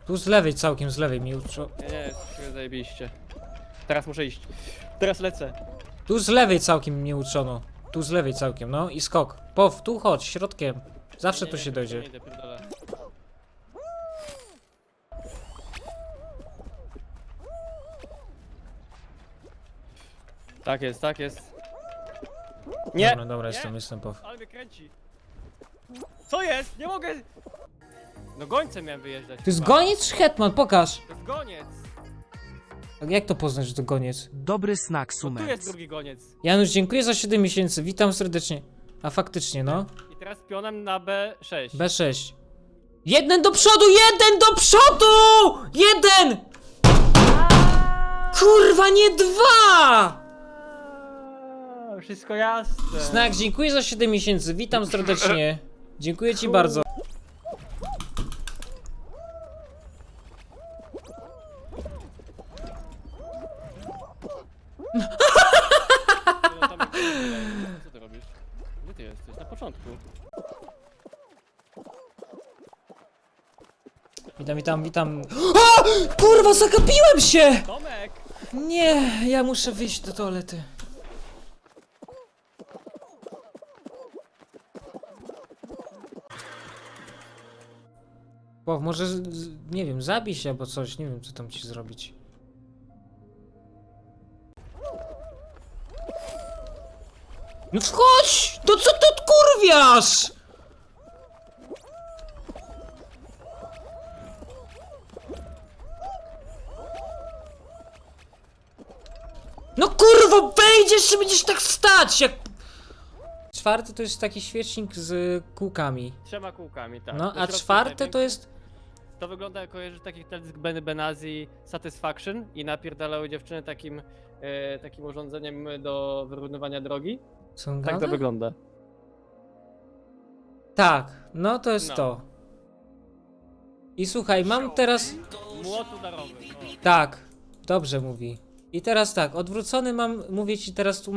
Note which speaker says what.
Speaker 1: Tu z lewej całkiem, z lewej mi uczo...
Speaker 2: Nie, zajebiście. Teraz muszę iść. Teraz lecę.
Speaker 1: Tu z lewej całkiem mnie uczono. Tu z lewej całkiem, no i skok. Pow, tu chodź, środkiem. Zawsze
Speaker 2: Nie,
Speaker 1: tu
Speaker 2: nie,
Speaker 1: się dojdzie.
Speaker 2: nie idę, pierdolę. Tak jest, tak jest. Nie!
Speaker 1: Dobra, dobra,
Speaker 2: Nie!
Speaker 1: jestem pow.
Speaker 2: Ale mnie kręci. Co jest? Nie mogę! No gońcem miałem wyjeżdżać.
Speaker 1: To jest
Speaker 2: chyba.
Speaker 1: goniec czy hetman? Pokaż.
Speaker 2: To jest goniec.
Speaker 1: Jak to poznać, że to goniec?
Speaker 3: Dobry snak
Speaker 2: No tu jest
Speaker 3: Sumec.
Speaker 2: drugi goniec.
Speaker 1: Janusz, dziękuję za 7 miesięcy, witam serdecznie. A faktycznie, no.
Speaker 2: I teraz pionem na B6.
Speaker 1: B6. Jeden do przodu, jeden do przodu! Jeden! Kurwa, nie dwa!
Speaker 2: Wszystko jasne.
Speaker 1: Znak, dziękuję za 7 miesięcy, witam serdecznie. Dziękuję ci bardzo.
Speaker 2: No, tam jest- Co ty robisz? Gdzie ty jesteś? Na początku.
Speaker 1: Witam. A! Kurwa, zagapiłem się!
Speaker 2: Tomek!
Speaker 1: Nie, ja muszę wyjść do toalety. Bo może, nie wiem, zabij się albo coś, nie wiem co tam ci zrobić. No wchodź! To co ty odkurwiasz? No kurwa, wejdziesz i będziesz tak stać jak... Czwarty to jest taki świecznik z kółkami.
Speaker 2: 3 kółkami, tak.
Speaker 1: No,
Speaker 2: Do
Speaker 1: a
Speaker 2: środka
Speaker 1: czwarte to
Speaker 2: największy.
Speaker 1: jest...
Speaker 2: To wygląda jak kojarzysz takich teledysk Benny Benazzi Satisfaction i napierdalały dziewczyny takim urządzeniem do wyrównywania drogi.
Speaker 1: Co on
Speaker 2: Tak to
Speaker 1: gada?
Speaker 2: wygląda.
Speaker 1: Tak, no to jest
Speaker 2: No.
Speaker 1: to. I słuchaj, mam teraz...
Speaker 2: Młot udarowy. O.
Speaker 1: Tak, dobrze mówi. I teraz tak, odwrócony mam, mówię ci teraz